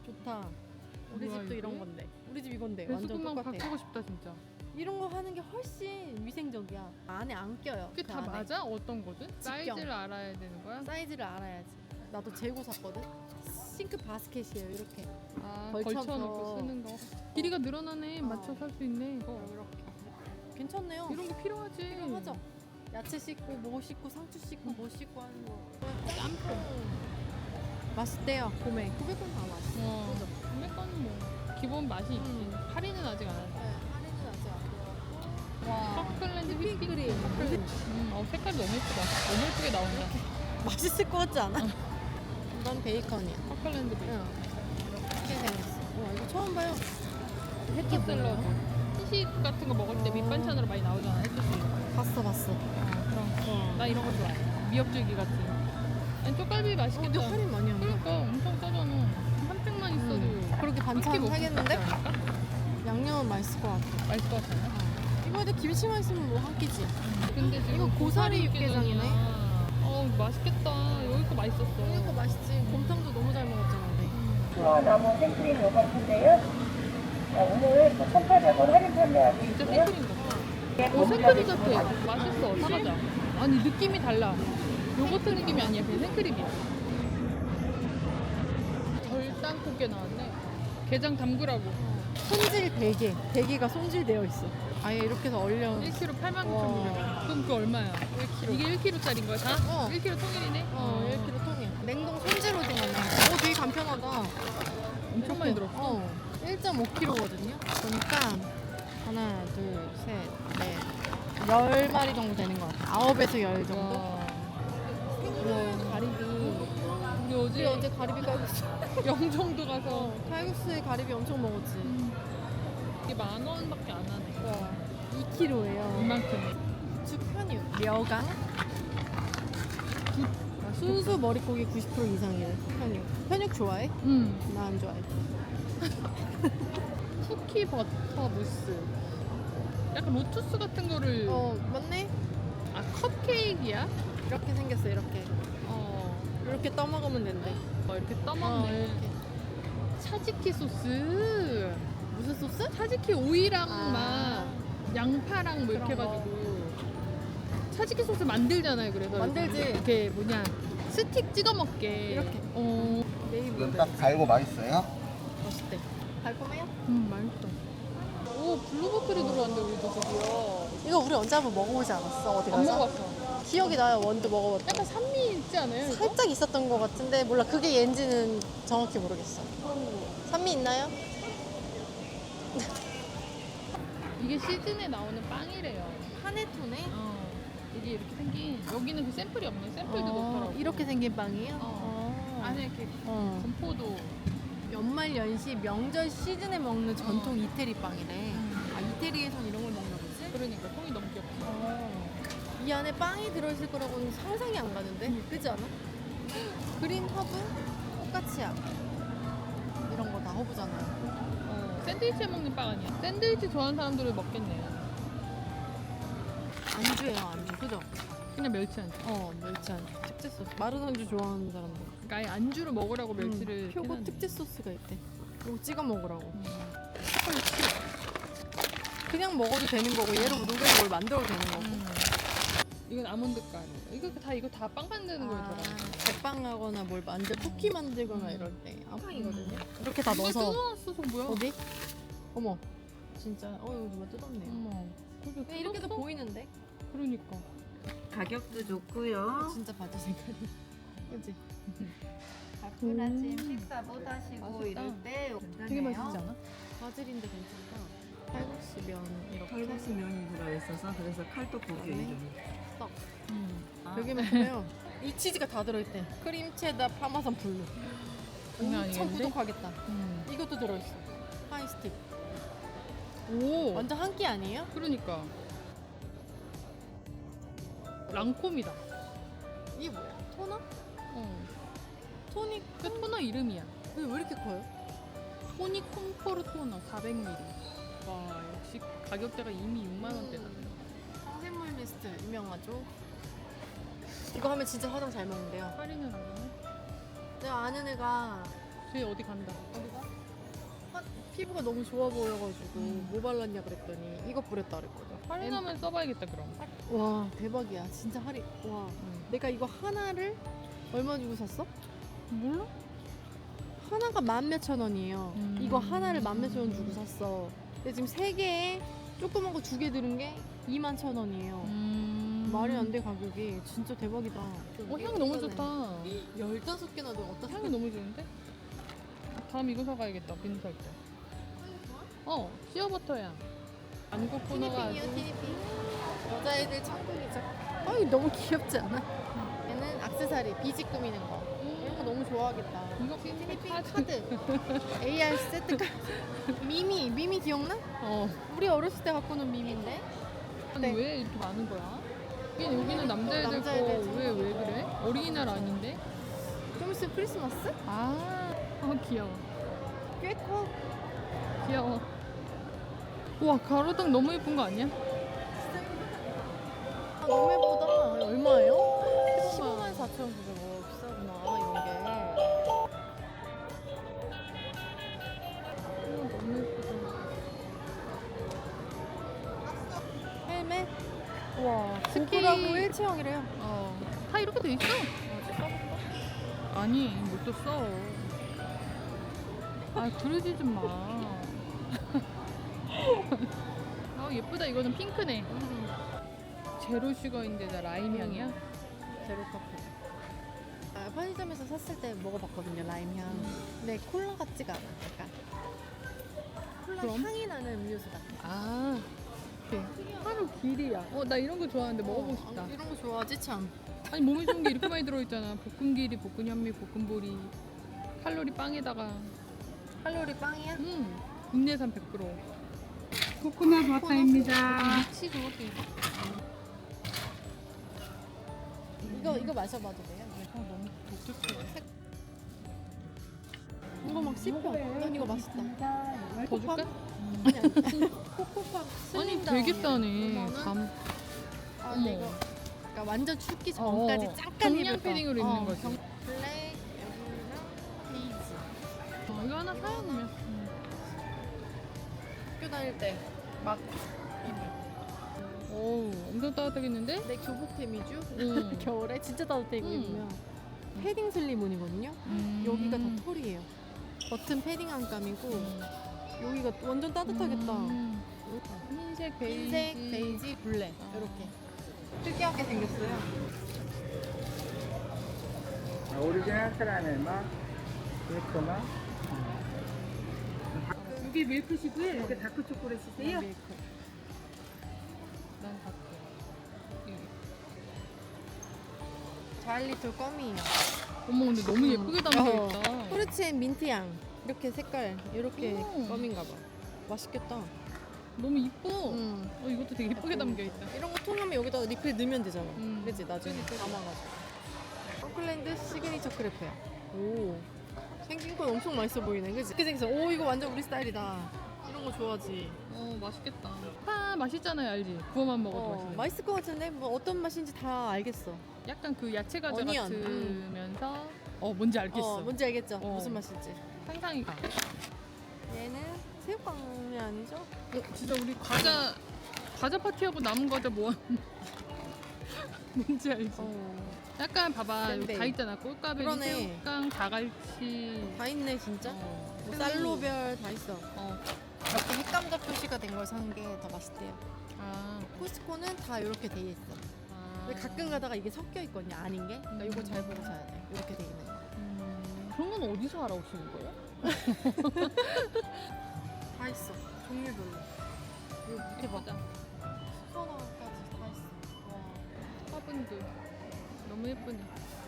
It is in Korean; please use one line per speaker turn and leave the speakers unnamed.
좋다. 우리
뭐야,
집도
이게?
이런 건데. 우리 집 이건데 완전
배수구만
똑같아.
바꾸고 싶다 진짜.
이런 거 하는 게 훨씬 위생적이야. 안에 안 껴요.
그게
그
다
안에.
맞아? 어떤 거든?
직경.
사이즈를 알아야 되는 거야?
사이즈를 알아야지. 나도 재고 샀거든. 싱크 바스켓이에요. 이렇게.
아,
걸쳐서.
걸쳐놓고 쓰는 거. 길이가 늘어나네. 맞춰 살 수 있네. 이거.
이렇게. 괜찮네요.
이런 게 필요하지.
필요하죠. 야채 씻고 뭐 씻고 상추 씻고 뭐 씻고 하는 거.
짬뽕.
맛있대요. 봄에 900원 다 맛있어. 그죠?
구매가는 뭐 기본 맛이 있지. 할인은 아직 안 하지.
네, 할인은 아직 안 돼요. 와.
커클랜드
휘핑크림.
휘핑크림. 색깔이 너무 예쁘다. 너무 예쁘게 나온다.
맛있을 것 같지 않아? 이건 베이컨이야.
커클랜드 베이컨.
응. 이렇게 생겼어. 와, 이거 처음 봐요.
해초 샐러드. 시식 같은 거 먹을 때 밑반찬으로 많이 나오잖아. 해초 샐러드.
봤어.
그런 거. 나 이런 거 좋아해. 미역줄기 같은. 아니 쪽갈비 맛있겠다.
근데 할인 많이 한다.
그러니까 엄청 싸잖아. 한 팩만 있어도
그렇게
한 끼
반찬
먹고
하겠는데?
싶지 않을까?
양념은 맛있을 것 같아.
맛있을 것 같잖아.
이거에도 김치만 있으면 뭐 한 끼지.
근데 지금
이거 고사리
육개장이야.
육개장이네.
맛있겠다. 여기 거 맛있었어.
이거 맛있지. 곰탕도 너무 잘 먹었잖아, 우리.
나무 생크림 요거트인데요. 오늘 1,800원 할인 판매하고
진짜
있고요.
생크림 같아. 생크림 같아. 맛있어. 사가자. 아니 느낌이 달라. 요거트 느낌이 아니야. 그냥 생크림이야. 덜땅콩게 나왔네. 게장 담그라고.
손질 베개. 베개가 손질되어 있어. 아예 이렇게 해서 얼려.
1kg 8만
와.
9천 900원. 그럼 그거 얼마야?
1kg.
이게 1kg짜리인 거야 다?
어.
1kg 통일이네?
1kg 통이야. 냉동 손질 오징어네. 되게 간편하다.
엄청 많이 들었어.
1.5kg거든요. 그러니까 하나, 둘, 셋, 넷, 10마리 정도 되는 것 같아. 9에서 10 정도.
와.
생선, 가리비.
우리
우리
어제
어제 가리비 칼국수.
영종도 가서
칼국수에 가리비 엄청 먹었지.
이게 10,000원밖에 안 하네.
2kg예요.
이만큼.
우측 편육, 려강. 순수 머릿고기 90% 이상이래. 편육. 편육 좋아해? 나 안 좋아해.
쿠키 버터 무스. 약간 로투스 같은 거를.
맞네.
아 컵케이크야?
이렇게 생겼어. 이렇게. 이렇게 떠먹으면 된대.
이렇게 떠먹네.
이렇게.
차지키 소스.
무슨 소스?
차지키 오이랑
아.
막 양파랑 뭐 이렇게
그런 거.
해가지고 차지키 소스 만들잖아요. 그래서
만들지.
이렇게 뭐냐 스틱 찍어 먹게.
이렇게. 네이버.
이건 딱 달고 맛있어요?
맛있대. 달콤해요?
맛있어. 오 블루버클이 들어왔는데 우리도 드디어.
이거 우리 언제 한번 먹어보지 않았어? 어디
안
가서?
먹어봤어.
기억이 나요. 원두 먹어봤다.
약간 산미 있지 않아요? 이거?
살짝 있었던 것 같은데 몰라. 그게 얘인지는 정확히 모르겠어. 산미 있나요?
이게 시즌에 나오는 빵이래요.
파네토네.
이게 이렇게 생긴. 여기는 그 샘플이 없네. 샘플도 넣더라고.
이렇게 생긴 빵이에요?
안에 이렇게 건포도.
연말 연시 명절 시즌에 먹는 전통 이태리 빵이래. 아 이태리에선 이런 걸 먹나 보지?
그러니까 통이 너무 귀엽지.
이 안에 빵이 들어있을 거라고는 상상이 안 가는데? 그지 않아? 그린 허브? 포카치아 이런 거 다 허브잖아요.
샌드위치에 먹는 빵 아니야? 샌드위치 좋아하는 사람들은 먹겠네.
안주예요 안주 그죠?
그냥 멸치 안주.
멸치 안주 특제 소스 마른 안주 좋아하는 사람들
그러니까 아예 안주로 먹으라고 멸치를
표고
해놨네.
특제 소스가 있대. 이거 찍어 먹으라고.
음.
그냥 먹어도 되는 거고 얘로 누구를 뭘 만들어도 되는 거고.
이건 아몬드 가루. 이거 다 빵 만드는 거에 들어가.
제빵하거나 뭘 쿠키 만들거나 이럴 때 빵이거든요. 이렇게 다
누가
넣어서
뜯어놨어, 저 뭐야?
어디? 어머 진짜 이거 누가 뜯었네요.
어머. 그게
그냥 이렇게도
뜯었어?
보이는데
그러니까.
가격도 좋고요.
진짜 바지 색깔이 그치?
바쁜 아침 식사 못 하시고
맛있다.
이럴 때
되게 맛있지 않아?
바질인데 괜찮다. 칼국수 면 이렇게
칼국수 면이 들어있어서 그래서 칼떡고기
네.
이름이.
떡.
아,
여기만 보면 이 치즈가 다 들어있대. 크림 체다 파마산 블루.
장난
엄청
아니겠는데?
구독하겠다. 이것도 들어있어. 하이스틱.
오.
완전 한 끼 아니에요?
그러니까. 랑콤이다.
이게 뭐야? 토너? 토닉
그 토너 이름이야.
왜 이렇게 커요?
토니 콤포르 토너 400ml. 와 역시 가격대가 이미 6만 원대다.
성샘물 미스트 유명하죠? 이거 하면 진짜 화장 잘 먹는데요.
할인을 하네.
내가 아는 애가
쟤 어디 간다.
어디가? 피부가 너무 좋아 보여가지고 뭐 발랐냐 그랬더니 이거 뿌렸다 그랬거든.
할인하면 써봐야겠다 그럼.
와 대박이야 진짜 할인. 와 내가 이거 하나를 얼마 주고 샀어?
몰라?
하나가 14,000원이에요. 이거 하나를 14,000원 주고 샀어. 근데 지금 3개에 조그만 거 2개 들은 게 21,000원이에요. 말이 안 돼 가격이. 진짜 대박이다.
향 너무 좋다.
15개나 더 어디다
향이 너무 좋은데? 다음 이거 사가야겠다. 비누 살 때. 시어버터야. 안국 코너가 아주
티니핑이요 티니핑. 여자애들 천국이죠. 아이 너무 귀엽지 않아? 얘는 액세서리 비지 꾸미는 거. 이런 거 너무 좋아하겠다.
이거
티니핑 카드. AR 세트 카드. 미미 기억나?
어.
우리 어렸을 때 갖고 논 미미인데.
아니
네.
왜 이렇게 많은 거야? 여기는 남자애들
남자애들
거 왜 그래? 어린이날 아닌데?
좀 있으면 크리스마스?
귀여워.
꽤 커.
귀여워. 와, 가로등 너무 예쁜 거 아니야?
너무 예쁘다. 얼마예요? 154,900원. 비싸구나 이런 게.
너무 예쁘다.
헬멧? 와
스키.
고프라고 일체형이래요.
다 이렇게 돼 있어. 아니, 못 써. 그러지 좀 마. 예쁘다. 이거는 핑크네. 제로 슈거인데 나 라임 향이야?
제로 커피. 편의점에서 샀을 때 먹어봤거든요 라임 향. 근데 콜라 같지가 않아. 약간 콜라
그럼?
향이 나는 음료수 같아.
하루 길이야. 나 이런 거 좋아하는데 먹어보고 싶다.
이런 거 좋아하지 참.
아니 몸에 좋은 게 이렇게 많이 들어있잖아. 볶은 길이, 볶은 현미, 볶은 보리. 칼로리 빵에다가.
칼로리 빵이야?
국내산 100%.
코코넛 버터입니다.
치즈 이것도 이거 마셔봐도 돼요?
너무 독특해.
이거 막 씹혀. 난 이거 맛있다.
더 줄까?
코코팝
아니
슬림다운이야.
되게 싸네.
5만 원? 근데 이거 그러니까 완전 춥기
어,
전까지 잠깐
정량
입을 거.
패딩으로 입는 거지.
블랙, 여기랑 베이지.
이거 하나 사야 되면.
학교 다닐 때 막
오, 엄청 따뜻하겠는데?
내 교복템이죠?
응.
겨울에 진짜 따뜻해 이거 입으면. 패딩 슬리문이거든요. 여기가 다 털이에요. 버튼 패딩 안 감이고 여기가 완전 따뜻하겠다.
흰색, 베이지.
흰색, 베이지, 블랙 이렇게 특이하게 생겼어요.
오리지널 카라멜맛, 밀크맛. 이게 밀크시고요. 이렇게 다크 초콜릿이세요?
밀크.
난 다크.
자일리톨 껌이에요.
어머, 근데 너무 예쁘게 담겨있다.
프루치앤 민트향 이렇게 색깔 이렇게 껌인가 봐. 맛있겠다.
너무 이뻐.
응.
이것도 되게 예쁘게 담겨있다.
이런 거 통하면 여기다가 리필 넣으면 되잖아.
음.
그치 나중에 담아가지고. 펑클랜드 시그니처 크레페야. 오. 생긴 건 엄청 맛있어 보이네. 그치? 이렇게 생겼어. 오 이거 완전 우리 스타일이다. 이런 거 좋아하지.
맛있겠다. 파 맛있잖아요, 알지? 구워만 먹어도 맛있는.
맛있을 것 같은데 뭐 어떤 맛인지 다 알겠어.
약간 그 야채 과자
어니언.
같으면서 뭔지 알겠어.
뭔지 알겠죠?
어.
무슨 맛인지.
상상이 가.
얘는 새우깡이 아니죠?
진짜 우리 과자 파티하고 남은 과자 모아. 뭔지 알지? 약간 봐봐, 여기
샌베이.
다 있잖아. 꼴까베리,
그러네.
새우깡, 다갈치.
다 있네 진짜. 뭐
새우.
쌀로별 다 있어.
어.
이렇게 핵감자 표시가 된 걸 사는 게 더 맛있대요.
아.
코스코는 다 이렇게 돼 있어. 근데 가끔 가다가 이게 섞여 있거든요. 아닌 게. 그러니까 이거 잘 보고 사야 돼. 이렇게 돼 있는 거.
그런 건 어디서 알아오시는 거예요?
다 있어. 종류별로. 이거 밑에 봐.
예쁘다.
수선화까지 다 있어. 와.
화분들. 너무 예쁘네.